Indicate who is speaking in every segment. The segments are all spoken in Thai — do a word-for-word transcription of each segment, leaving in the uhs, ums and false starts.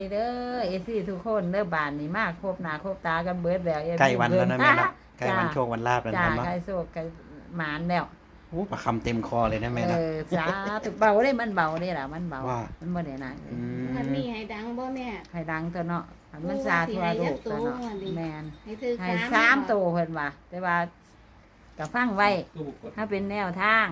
Speaker 1: เด้อเอซี่ทุกคนเด้อบ้านนี่มากครบหน้าครบตากันเบิดแล้ว
Speaker 2: ใกล้วันแล้วนะแม่เนาะใกล้วันโชควันลาบแล้ว
Speaker 1: จ้า
Speaker 2: นะเนาะ
Speaker 1: ใกล้โชคใกล้หมานแล้ว
Speaker 2: โอ้ประคำเต็มคอเลยนะแม่
Speaker 1: เอ
Speaker 2: นะ
Speaker 1: อจ้าถูกเบาได้มันเบาได้ล่ะมันเบา
Speaker 2: ว่า
Speaker 1: มันบ่ได้หนัก
Speaker 2: อืม
Speaker 3: วันนี้ให้ดังบ่แม่
Speaker 1: ให้ดังตัวเนาะให้มันซาทั่วโลกตัวเนาะแม่น
Speaker 3: ให้ถือ
Speaker 1: ให้สามโตวเพิ่นว่าแต่ว่าก็ฟังไว้ถ้าเป็นแนวทาง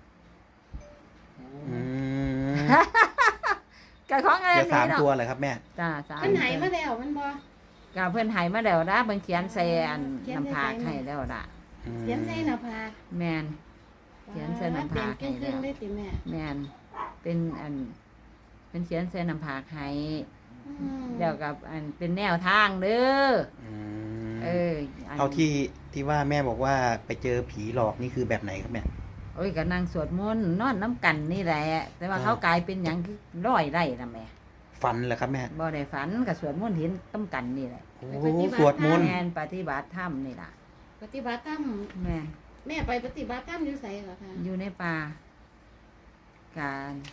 Speaker 2: อืม
Speaker 1: ก็ของอะไร
Speaker 2: เดี๋ยวสาม
Speaker 1: เนาะ
Speaker 2: ตัวเลยครับแม่
Speaker 1: จ้าสาม
Speaker 3: เพิ่นให้มาแล้วมันบ่
Speaker 1: ก็เพิ่นให้มาแล้วนะเพิ่นเขียนใส่อัน
Speaker 3: เขียน
Speaker 1: น้ำ
Speaker 3: ใส่
Speaker 1: ผาก
Speaker 3: ใส่
Speaker 1: ให้แล้วล่ะ
Speaker 2: อืม
Speaker 3: เขียนใส่หน้าผาก
Speaker 1: แม่น เขียนใส่หน้าผาก
Speaker 3: เป็นครึ่งๆได้ติแม่
Speaker 1: แม่นเป็นอันเป็นเขียนใส่น้ำผากให้
Speaker 3: อืม
Speaker 1: เดี๋ยวกับอันเป็นแนวทางเด้อ
Speaker 2: อืม
Speaker 1: เอออัน
Speaker 2: เอาที่ที่ว่าแม่บอกว่าไปเจอผีหลอกนี่คือแบบไหนครับแม่
Speaker 1: โอ้ยก็นั่งสวดมนต์นอนน้ำกันนี่แหละ แต่ว่า
Speaker 2: อ่า
Speaker 1: เขากลายเป็นอย่างคือร้อยไร่นะแม่
Speaker 2: ฝันเหรอครับแม่
Speaker 1: บ่ได้ฝันกับสวดมนต์เห็นต้กันนี่แหละ
Speaker 2: โอ้โหสวดมนต์
Speaker 1: แม่นปฏิบัติธรรมนี่ล่ะ
Speaker 3: ปฏิบัติธรรม
Speaker 1: แม่น
Speaker 3: แม่ไปปฏิบัติธรรมอยู่ไสเหรอคะ
Speaker 1: อยู่ในป่าการ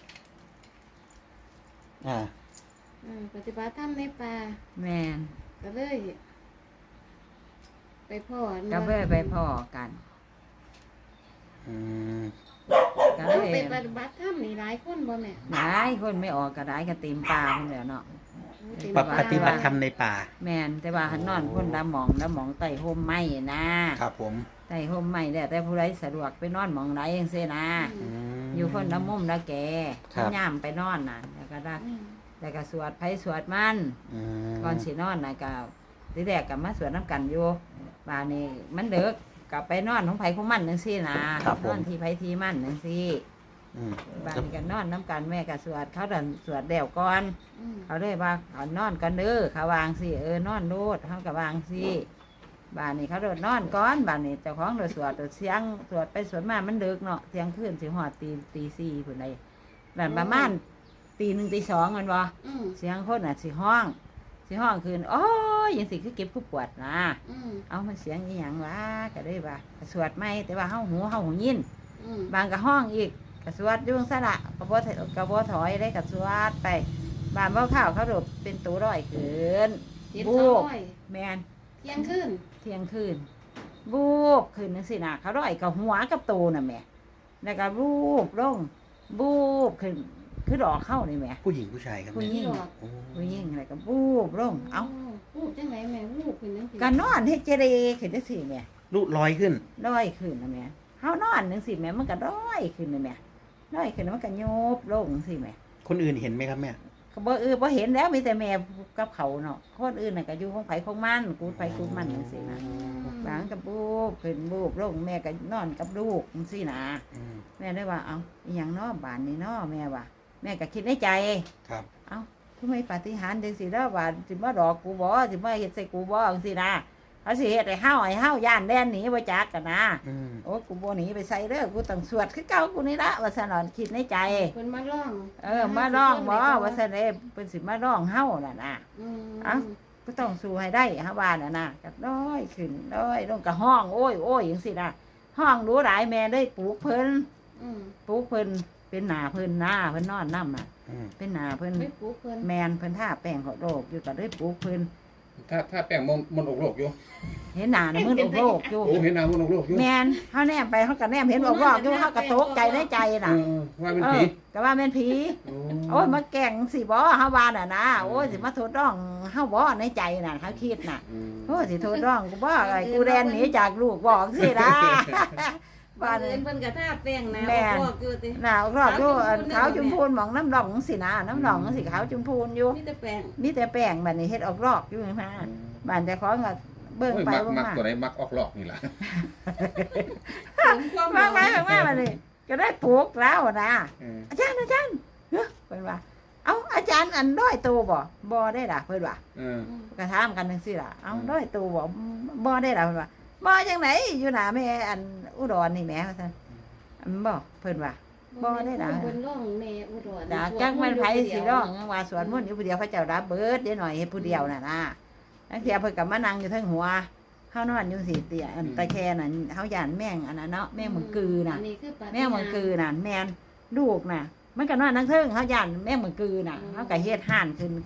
Speaker 2: อ่า
Speaker 3: เออปฏิบัติธรรมในป่า
Speaker 1: แม่น
Speaker 3: ก็เลย ไปพ่อ
Speaker 1: ก็เพื่อไปพ่อกัน
Speaker 2: อืม
Speaker 1: ก็
Speaker 3: เอ
Speaker 1: เล
Speaker 3: อย ไปปฏิบัติธรรมนี่หลายคนบ่แม่
Speaker 1: หลายคนไม่ออกก็ได้ก็เต็มป่าพุ่นแหล้วเนาะ
Speaker 3: เต็ม
Speaker 2: ป
Speaker 3: ป่า
Speaker 2: ปฏิบัติธรรมในป่า
Speaker 1: แม่นแต่ว่าหันนอนคนละหมองละหมองไต่ห่มไม้นะครับ
Speaker 2: ผม
Speaker 1: ไต่ห่มไม้แล้วแต่ผู้ใดสะดวกไปนอนหมองไหนเองเสียนะ
Speaker 3: อืม
Speaker 1: อยู่คนละมุมละแก
Speaker 2: ครับ
Speaker 1: ย่ามไปนอนน่ะแล้วก็ได้
Speaker 3: อืม
Speaker 1: แล้วก็สวดไผสวดมัน
Speaker 2: อืม
Speaker 1: ก่อนสินอนน่ะก็ทีแรกก็มาสวดน้ำกันอยู่บานนี้มันเด็กกลับไปนอนของไผของมันจังซี่นะครับ
Speaker 2: ผม
Speaker 1: นอนที่ไผที่มันจังซี่
Speaker 2: อืม
Speaker 1: บานนี้ก็นอนน้ำกันแม่ก็สวดเขาดันสวดแล้วก่อน
Speaker 3: อืม
Speaker 1: เขาเลยว่าเอานอนกันเด้อเขาวางสิเออนอนโลดเขาก็วางสิบ้านนี้เขาโดดนอนก่อนบ้านนี้เจ้าของโดดสวดโดดเสียงสวดไปสวดมามันดึกเนาะเที่ยงคืนสิหอดตีตีสี่พุ่นใดแบบประมาณตีหนึ่งตีสองแมันบ่
Speaker 3: อืม
Speaker 1: เสียงคนน่ะสิห้องสิห้องคืนโอ้ยยังสิคือเก็บผู้ปวดนะ
Speaker 3: อืม
Speaker 1: เอามันเสียงอีหยังวะก็ได้ว่าก็สวดไม่แต่ว่าเฮาหูเฮาหูยิน
Speaker 3: อืม
Speaker 1: บางก็ห้องอีกก็สวดอยุ่จั่งซะละก็บ่ถก็บ่ถอยได้ก็สวดไปบ้านบ่ข้าวเขาโดดเป็นตัวร้อยคืน
Speaker 3: เจ็ด
Speaker 1: บู
Speaker 3: สอง
Speaker 1: บ
Speaker 3: ร้อย
Speaker 1: แมน
Speaker 3: เที่ยงคืน
Speaker 1: เที่ยงคืนบูบคืนนั่นสินะเขาร้อยกับหัวกับโตน่ะแม่แล้วก็บูบลงบูบขึ้นคือดอกเข้านี่แม่
Speaker 2: ผู้หญิงผู้ชายครับ
Speaker 1: ผู้
Speaker 2: แม่
Speaker 1: หญิง
Speaker 3: ดอก
Speaker 2: โอ้
Speaker 1: ผู้หญิงอะไรก็บูบลงเอ้า
Speaker 3: วูบจังไหนแม่วูบขึ้นจังซี่
Speaker 1: ก็นอนให้เจเรขึ้นจังซี่แม่
Speaker 2: ลูกลอยขึ้น
Speaker 1: ร้อยขึ้นนะแม่เฮานอนจังซี่แม่มันก็ร้อยขึ้นนะแม่ร้อยขึ้นแล้วมันก็โยบลงจังซี่แม่
Speaker 2: คนอื่นเห็นไหมครับแม่
Speaker 1: ก็บ่เออบ่เห็นแล้วมีแต่แม่กับเขาเนาะคนอื่นน่ะก็อยู่ของไผของมันกูดไผกูดมันจังซี่นะ บางกับบูบขึ้นบูบลงแม่ก็นอนกับลูกจังซี่นะ
Speaker 2: อืม
Speaker 1: แม่ได้ว่าเอาอหย่างเนอบานนี่เนอแม่ว่าแม่ก็คิดในใจ
Speaker 2: ครับ
Speaker 1: เอาทำไมปาฏิหาริย์จังสิเด้อว่าสิมาดอกกูบ่สิมาเฮ็ดใส่กูบ่จังซี่นะเขาสิเฮ็ดให้เฮาให้เฮาย่านแดนหนีบ่จักกันนะ
Speaker 2: อืม
Speaker 1: โอ้กูบ่หนีไปใส่เด้อกูต้องสวดคือเก่ากูนี่ละว่าซั่นน่ะคิดในใจ
Speaker 3: เพิ่นมาร้อง
Speaker 1: เออมาร้องบ่ว่าซั่นเด้เพิ่นสิมาร้องเฮาน่ะนะ
Speaker 3: อืม
Speaker 1: เอ้า ก็ต้องสู้ให้ได้ฮะว่าน่ะนะก็น้อยขึ้นน้อยลงก็ห้องโอ้ยโอ้ยจังซี่นะห้องรู้หลายแม่ได้ปลูกเพิ่น
Speaker 3: อืม
Speaker 1: ปลูกเพิ่นเป็นหนาเพิ่นหน้าเพิ่นนอนน้ำอ่ะ
Speaker 2: อืม
Speaker 1: เป็นหนาเพิ่น
Speaker 3: ไปปลูกเพิ่น
Speaker 1: แมนเพิ่นท่าแป้งเขาโรคอยู่ก็ได้ปลูกเพิ่น
Speaker 4: ถ้าถ้าแป้งมนมนอกโลกอยู่
Speaker 1: เห็นหนาน่ะมึนอกโรคอยู่
Speaker 4: โอ้เห็นนามนอกโลกอยู่
Speaker 1: แมนเฮาแนมไปเฮาก็แนมเห็นอกโรคอยู่เฮาก็ตกใจในใจ
Speaker 4: เอ
Speaker 1: น่ะ
Speaker 4: อว่าเป็น
Speaker 1: เอ
Speaker 4: ผี
Speaker 1: อก็ว่าแม่นผีโอ้ยมาแกล้งสิบ่เฮาว่าน่ะนะโอ้ยสิมาโทษร้องเฮาบ่ในใจน่ะเขาคิดน่ะ
Speaker 4: อืม
Speaker 1: โอ้ยสิโทษร้องกูบ่ไอ้กูแดนหนีจากลูกบอกสิล่ะ
Speaker 3: บ้า
Speaker 1: บ้าน น
Speaker 3: เอิ้นเพิ่นก็ท่าแป้งนะ
Speaker 1: แม่
Speaker 3: บอกอยู่ติ
Speaker 1: หนาวรอบอยู่อันขาวจุมพูนหมองน้ำดองสินะน้ำดองสิขาวจุมพูนอยู่
Speaker 3: มีแต่แป้ง
Speaker 1: มีแต่แป้งบัดนี้เฮ็ดออกรอกอยู่นะบ้านแต่ของก็เบิ่ง
Speaker 4: โอ้ย
Speaker 1: ไป
Speaker 4: มัก
Speaker 1: เบิ่ง
Speaker 4: มัก
Speaker 1: มา
Speaker 4: ตัวไหนมักออกหลอกนี่ล่ะ
Speaker 3: เสริมความ
Speaker 1: มากไปมากมาบัดนี้ก็ได้ปลูกแล้วนะ
Speaker 4: เออ
Speaker 1: อาจารย์อาจารย์เฮ้ยเพิ่นว่า เอ้าอาจารย์อันด้อยโตบ่บ่ได้ล่ะเพิ่นว่า
Speaker 4: เออ
Speaker 3: อืม
Speaker 1: ก็ถามกันจังซี่ล่ะเอ้าด้อยโตบ่บ่ได้ล่ะเพิ่นว่าบ่จังไหนอยู่หน้าแม่อันอุดรนี่แหมว่าซั่นอันบ่เพิ่นว่า บ่ได้ล่ะ
Speaker 3: เพิ่นร้องแม่อุดร
Speaker 1: ดาจักมันไผสิร้องว่าสวนมนต์อยู่ผู้เดียวเขาเจ้ารับเบิดเดี๋ยวหน่อยเฮ็ดผู้เดียวน่ะนะนักเที่ยเพิ่นก็มานั่งอยู่เทั้งหัวเฮานอนอยู่สิเตียอันตะแคน่ะเฮาย่านแม่งอันนั้นเนาะแม่งมังกือน่ะ
Speaker 3: อันนี้คือปาฏิหาริย์
Speaker 1: แม่งมังกือน่ะแม่นลูกน่ะ มันก็นอนทั้งเทิงเฮาย่านแม่งมังกือน่ะ
Speaker 3: อืม
Speaker 1: เฮาก็เฮ็ดห่านขึ้นคือ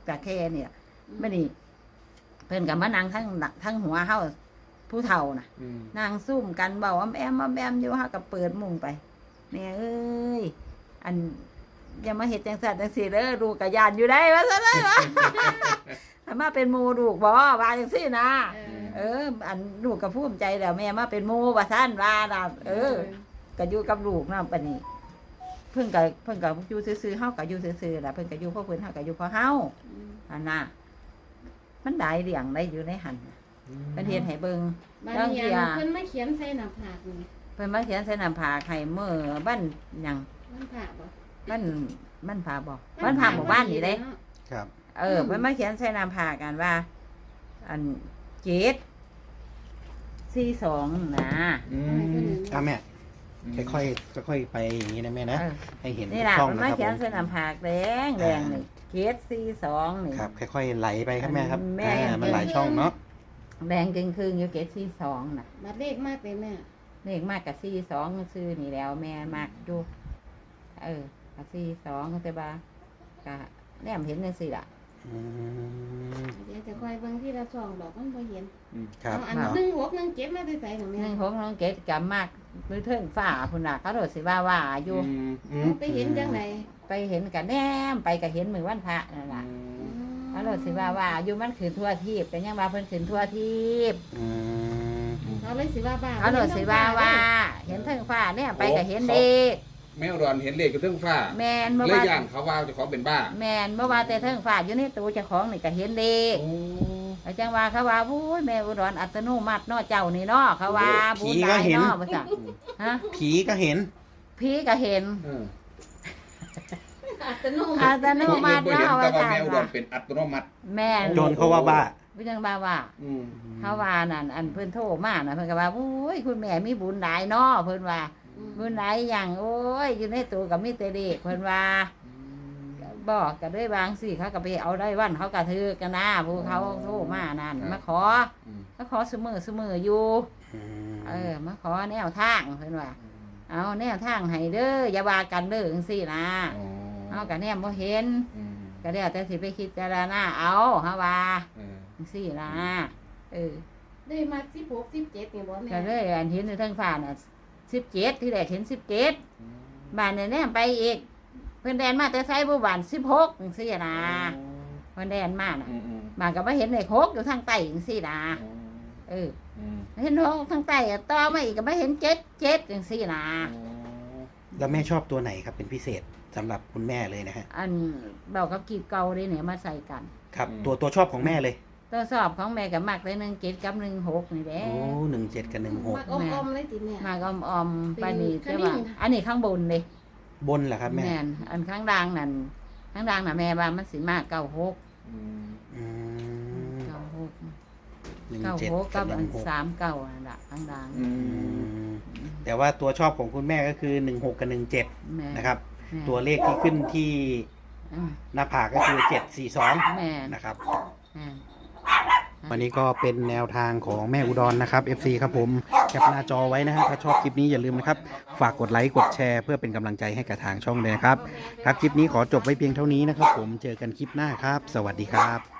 Speaker 1: จากแค่เนี่ยไม่นี่เพิ่นกับมานั่งทั้งหลังทั้งหัวเฮาผู้เฒ่าน่ะ
Speaker 4: อืม
Speaker 1: นางซุ่มกันเบาอ้อมแอมอ้อมแอมอยู่เฮาก็เปิดมุงไปแม่เอ้ยอันอย่ามาเฮ็ดจังซั่นจังซี่เด้อลูกก็ย่านอยู่ได้ว่าซั่นเด้อ ถ้ามาเป็นหมู่ลูกบ่ว่าจังซี่นะ
Speaker 3: เออ
Speaker 1: เออ อันลูกก็ภูมิใจแล้วแม่มาเป็นหมู่ว่าซั่นว่าน่ะเออก็อยู่กับลูกนำปานนี้เพิ่นก็เพิ่นก็อยู่ซื่อๆเฮาก็อยู่ซื่อๆล่ะเพิ่นก็อยู่เพราะเพิ่นเฮาก็อยู่เพราะเฮา
Speaker 3: อืม
Speaker 1: อันน่ะมันได้เลี้ยงได้อยู่ในหันน่ะเพิ่นเฮ็ดให้เบิ่ง
Speaker 3: บาง
Speaker 1: บาง
Speaker 3: อ
Speaker 1: เที่
Speaker 3: ย่าง
Speaker 1: ย
Speaker 3: เพิ่นมาเขียนใส่หน้าผากนี่
Speaker 1: เพิ่นมาเขียนใส่น้ำผากให้มื้อบ้านหยัง
Speaker 3: มันผากบ่
Speaker 1: บ้านบ้านผาบ่บ้านผาหมู่บ้านนี่เด้
Speaker 3: เนาะ
Speaker 2: ครับ
Speaker 1: เออเพิ่นมาเขียนใส่น้ำผากกันว่า อันเจ็ดสี่สองนะ
Speaker 4: อืม
Speaker 2: อ่ะแม่ค่อยๆค่อยๆไปอย่างนี้นะแม่นะ
Speaker 1: เออ
Speaker 2: ให้เห็น
Speaker 1: นี่ล่ะ
Speaker 2: ช่อง
Speaker 1: เพิ่น
Speaker 2: นะ
Speaker 1: มา
Speaker 2: ครับ
Speaker 1: เขียน
Speaker 2: ผม
Speaker 1: ใส่น้ำผากแดงแดงนี่เจ็ดสี่สองนี่
Speaker 2: ครับค่อยๆไหลไปครับแม่ครับ
Speaker 1: แม่
Speaker 2: อ่ามันหลายช่องเนาะ
Speaker 1: แดงจึงคืนอยู่เจ็ดสี่สองน่ะ
Speaker 3: บัดเลขมากเลยแม่
Speaker 1: เลขมากกับสี่สองซื้อนี่แล้วแม่มากอยู่เออกับสี่สองแต่ว่ากะแนมเห็นจังซี่ล่ะ
Speaker 2: อืม
Speaker 3: เดี๋ยวจะคอยเบิ่งที่ละช่องดอกมันบ่เห็น
Speaker 2: ครับ
Speaker 3: เอาอัน
Speaker 2: เนาะ
Speaker 3: หนึ่งหกหนึ่งเจ็ดมาได้ใส่ของ
Speaker 1: ห
Speaker 3: แม่
Speaker 1: นึ่งหกน้องเกดกับมากมือเทิงฝ่าพุ่นน่ะเขาโดดสิว่าว่าอยู่
Speaker 4: อืมอืม
Speaker 3: เอาไปเห็นจังได
Speaker 1: ไปเห็นกับแนมไปกับเห็นมือวันพระนั่นล่ะเขาโดดสิว่าว่าอยู่มันขืนทั่วทีบแต่ยังว่าเพิ่นขืนทั่วทีบ
Speaker 2: อืม
Speaker 3: เขาเลยสิว่าบ้า
Speaker 1: เขาโดดสิว่าว่า เห็นเทิงฝ่าเนี่ยไปกับเห็นเด็ก
Speaker 4: แมวดอนเห็นเลขอยู่เทิงฟ้า
Speaker 1: แมนเมื่อ
Speaker 4: เลย
Speaker 1: ว่า
Speaker 4: ย่านเขาว่าเจะของเป็นบ้า
Speaker 1: แมนเมื่อว่าแต่เทิงฝ่าอยู่ในตู้เจ้าของนี่ก็เห็นเด็ก
Speaker 4: โอ้
Speaker 1: แล้วจังว่าเขาว่าอุ้ยแม่อุดรอัตโนมัติเนาะเจ้านี่เนาะเขาว่าบุญหลายเนาะว่าซั่นฮะ
Speaker 2: ผีก็เห็น
Speaker 1: พี่ก็เห็น
Speaker 4: เออ
Speaker 3: อัตโนมั
Speaker 1: อั
Speaker 3: ติ
Speaker 1: ตโนมัติ
Speaker 4: บ่เห็น
Speaker 1: เนาะ
Speaker 4: แต่
Speaker 1: ว่า
Speaker 4: ว่า
Speaker 1: ซั่
Speaker 4: แม
Speaker 1: น
Speaker 4: วดอ
Speaker 1: ว่าน
Speaker 4: เป็นอัตโนมัติ
Speaker 1: แม่น
Speaker 2: โจรเขาว่าบ้า
Speaker 1: พี่จังว่าว่า
Speaker 4: อืม
Speaker 1: เขาว่านั่นอันเพิ่นโทรมาน่ะเพิ่นก็ว่าอุ้ยคุณแม่มีบุญหลายเนาะเพิ่นว่าบุญหลายอย่างโอ้ยอยู่ในตู้ก็มีแต่เด็กเพิ่นว่าบอกก็ด้วยบางสิเขาก็ไปเอาได้วันเขาก็ถือกันนะผู้เขาโทรมานั่นมาขอ
Speaker 4: อืม
Speaker 1: มาขอเสมอเสมออยู่
Speaker 2: อืม
Speaker 1: เออมาขอแนวทางเพิ่นว่า เอาแนวทางให้เด้ออย่าว่ากันเด้อจังซี่นะ
Speaker 4: อ๋อ
Speaker 1: เอาก็แนมบ่เห็น
Speaker 4: อืม
Speaker 1: ก็แล้วแต่สิไปคิดจารณาเอาเฮาว่า
Speaker 4: เออ
Speaker 1: จังซี่นะเออ
Speaker 3: ได้มาสิบหกสิบเจ็ดนี่บ่แม่
Speaker 1: ก็เลยอันเห็นในทางฟ้าน่ะสิบเจ็ดที่แรกเห็นสิบเจ็ดบ้านเนี่ยแนมไปอีกเพิ่นแดนมาแต่ไสบ่บ้านสิบหกจังซี่นะเพิ่นแดนมาน่ะ
Speaker 4: อืมอืม
Speaker 1: บ้านก็บ่เห็นเลขหกอยู่ทางใต้จังซี่นะ
Speaker 4: อ๋อ
Speaker 1: เออ
Speaker 4: อืม
Speaker 1: เห็นหกทางใต้อะต่อมาอีกก็บ่เห็นเจ็ดเจ็ดจังซี่นะ
Speaker 4: อ๋อ
Speaker 2: แล้วแม่ชอบตัวไหนครับเป็นพิเศษสำหรับคุณแม่เลยนะฮะ
Speaker 1: อันเบากับกีบเก่าเลยเนี่ยมาใส่กัน
Speaker 2: ครับตัวตัวชอบของแม่เลย
Speaker 1: ตัวสอบของแม่กับมักเลยหนึ่งเจ็ดกับหนึ่งหกนี่แหละ
Speaker 2: โอ้หนึ่งเจ็ดกับหนึ่งหก
Speaker 3: มักอมๆเลยติแม่
Speaker 1: มากอมออมๆปานนี้
Speaker 3: เป็น
Speaker 1: แต่ว่า
Speaker 3: ขมิ้น
Speaker 1: อันนี้ข้างบนเลย
Speaker 2: บนเหรอครับแม่
Speaker 1: แม่นอันข้างล่างนั่นข้างล่างน่ะแม่ว่ามันสิมากเก้าหก
Speaker 4: อืม
Speaker 2: อืม
Speaker 1: เก้าหก
Speaker 2: หนึ่ง
Speaker 1: เก้า
Speaker 2: เจ็ด
Speaker 1: หก
Speaker 2: กั
Speaker 1: กั
Speaker 2: บบ ห
Speaker 1: อั
Speaker 2: นึ่
Speaker 1: น
Speaker 2: งหก
Speaker 1: สามเก้านั่นแหละข้างล่าง
Speaker 4: อื
Speaker 2: อื
Speaker 4: ม
Speaker 2: มแต่ว่าตัวชอบของคุณแม่ก็คือหนึ่งหกกับหนึ่งเจ็ด
Speaker 1: แม่
Speaker 2: นะครับ
Speaker 1: แม่
Speaker 2: ตัวเลขที่ขึ้นที่
Speaker 1: อืม
Speaker 2: หน้าผากก็คือเจ็ดสี่สอง
Speaker 1: แม่
Speaker 2: นะครับ
Speaker 1: แม่
Speaker 2: วันนี้ก็เป็นแนวทางของแม่อุดรนะครับ เอฟ ซี ครับผมแคปหน้าจอไว้นะฮะถ้าชอบคลิปนี้อย่าลืมนะครับฝากกดไลค์กดแชร์เพื่อเป็นกำลังใจให้กับทางช่องเลยนะครับครับคลิปนี้ขอจบไว้เพียงเท่านี้นะครับผมเจอกันคลิปหน้าครับ สวัสดีครับ